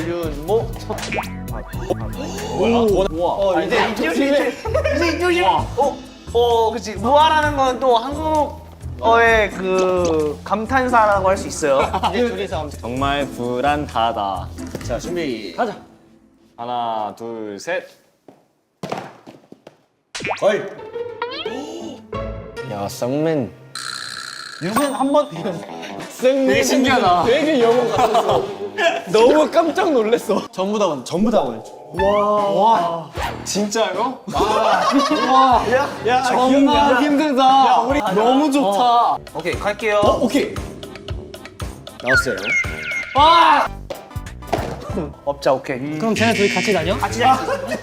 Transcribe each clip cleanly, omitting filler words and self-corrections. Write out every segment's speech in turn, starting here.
윤모 뭐야? 이제 이쪽이 그치. 무아라는 건 또 한국어의 그 감탄사라고 할 수 있어요. 이제 둘이서 정말 불안하다. 자 준비. 가자. 하나, 둘, 셋. 걸. 야, 쌍맨. 윤은 한번 되게 신기하다. 되게 영어 같았어. 너무 깜짝 놀랐어. 전부 다 원했죠. 진짜요? 야 정말 힘들다. 우리 너무 좋다. 오케이 갈게요. 오케이. 나왔어요. 업자 오케이. 그럼 쟤네 둘이 같이 다녀? 같이 자.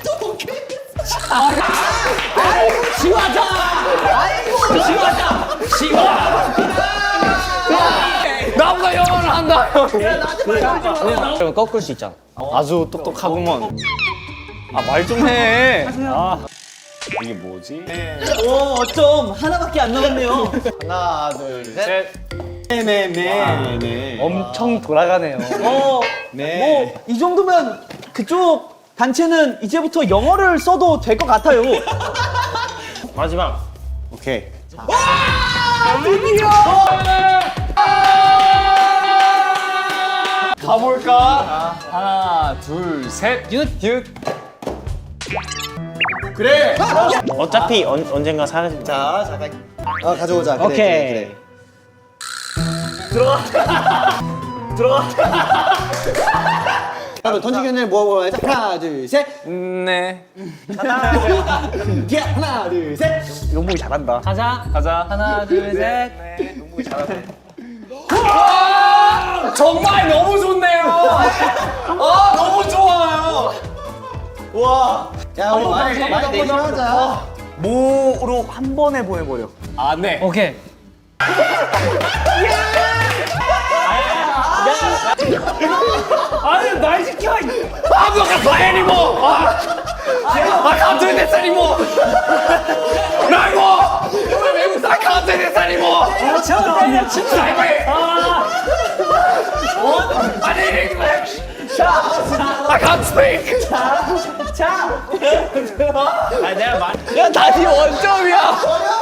나보다 영어를 한다. 그럼 꺾을 수 있잖아. 아주 똑똑하구먼. 아, 말 좀 해. 아, 이게 뭐지? 오 어쩜 하나밖에 안 남았네요. 하나 둘 셋. 셋. 네네네. 엄청 돌아가네요. 네. 뭐 이 정도면 그쪽 단체는 이제부터 영어를 써도 될 것 같아요. 마지막. 오케이. 가볼까? 하나, 둘, 셋. 윷. 그래. 어차피 언젠가 사라질 자 잠깐. 가져오자. 그래, 오케이. 그래. 그러면 던지기 전에 뭐 해야지? 하나 둘 셋. 네. 하나 둘 셋. 용복이 잘한다. 가자. 가자. 하나 둘 셋. 용복이 잘하네. 정말 너무 좋네요. 아, 너무 좋아요. 야 우리 말 대신하자. 모로 한 번에 보내버려. 아, 네. 오케이. 아니, 날 시켜. 아, 너 가서 애니모. 깜짝이 됐어니모. 나이모. 외국 사 깜짝이 됐어니모. 저 진짜 왜? 아니, I can't speak. 야 다시 원점이야.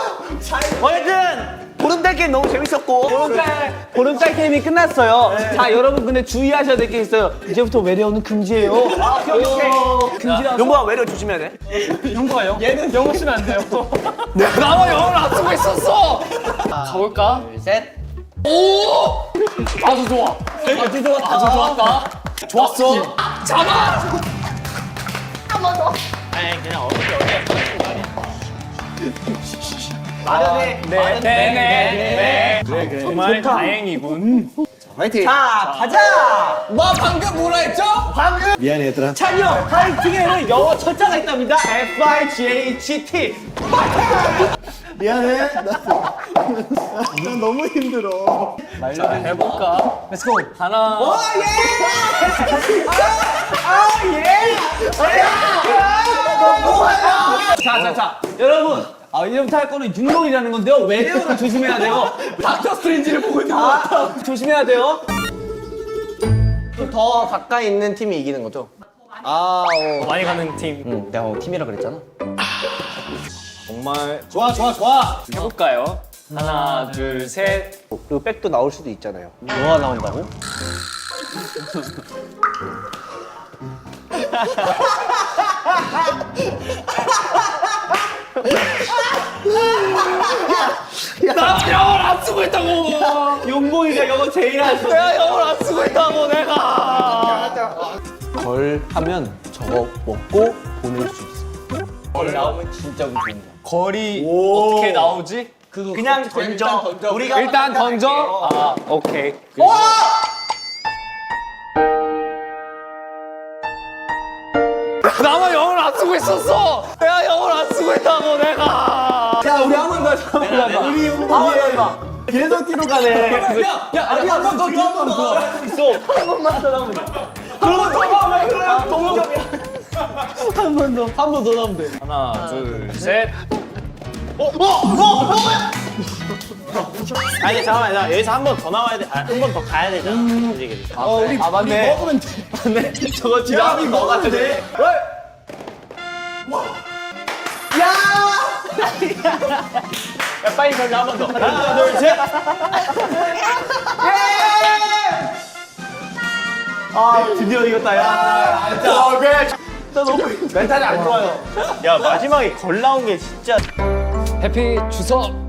어쨌든 보름달 게임 너무 재밌었고 보름달 게임이 끝났어요. 자 여러분 근데 주의하셔야 될 게 있어요. 이제부터 외래어는 금지예요. 금지라서. 용복아 외려 조심해야 돼. 영어요? 얘는 영어 쓰면 안 돼요. 나만 영어를 안 쓰고 있었어. 가볼까? 둘 셋. 오! 아주 좋아. 아주 좋았다. 아주 좋았다. 좋았어. 잡아. 마련해. 네네. 그래. 정말 다행이군. 화이팅. 자 가자. 뭐 방금 뭐라 했죠? 미안해 얘들아. 찬영 파이팅에는 영어 철자가 있답니다. FIGHT. 미안해. 난 너무 힘들어. 자, 해볼까? Let's go. 하나. 자. 여러분. 이제부터 할 거는 융동이라는 건데요. 외래어를 조심해야 돼요. 닥터 스트레인지를 보고 있는 것 같아. 조심해야 돼요. 더 가까이 있는 팀이 이기는 거죠. 많이 가는 팀. 응, 내가 팀이라 그랬잖아. 정말 좋아. 해볼까요? 하나, 둘, 셋. 그리고 백도 나올 수도 있잖아요. 뭐가 나온다고? 나 영어를 안 쓰고 있다고. 용봉이가 영어 제일 하죠. 내가 영어를 안 쓰고 있다고 내가. 걸 하면 저거 먹고 보낼 수 있어. 걸 나오면 진짜 좋은 거야. 거리 어떻게 나오지? 그냥 던져. 우리가 일단 던져. 아, 오케이. 나만 영어를 안 쓰고 있었어. 내가 영어를 안 쓰고 있다고 내가. 자, 우리 한 번 더 해봐. 우리 해봐. 계속 뒤로 가네. 아니 한번 더. 있어. 한 번만 더 나오면 돼. 동점이야. 한 번 더 나오면 돼. 하나, 둘, 셋. 뭐야? 아니 잠깐만 나 여기서 한 번 더 나와야 돼. 한 번 더 가야 되잖아. 솔직히. 우리 맞네. 먹으면 돼. 근데 저거 지라미 뭐 같은데? 야 빨리 던져 한 번 더. 하나 둘 셋. 아 드디어 이겼다 야. 멘탈이 안 좋아요. 야 마지막에 걸 나온 게 진짜. 해피 추석!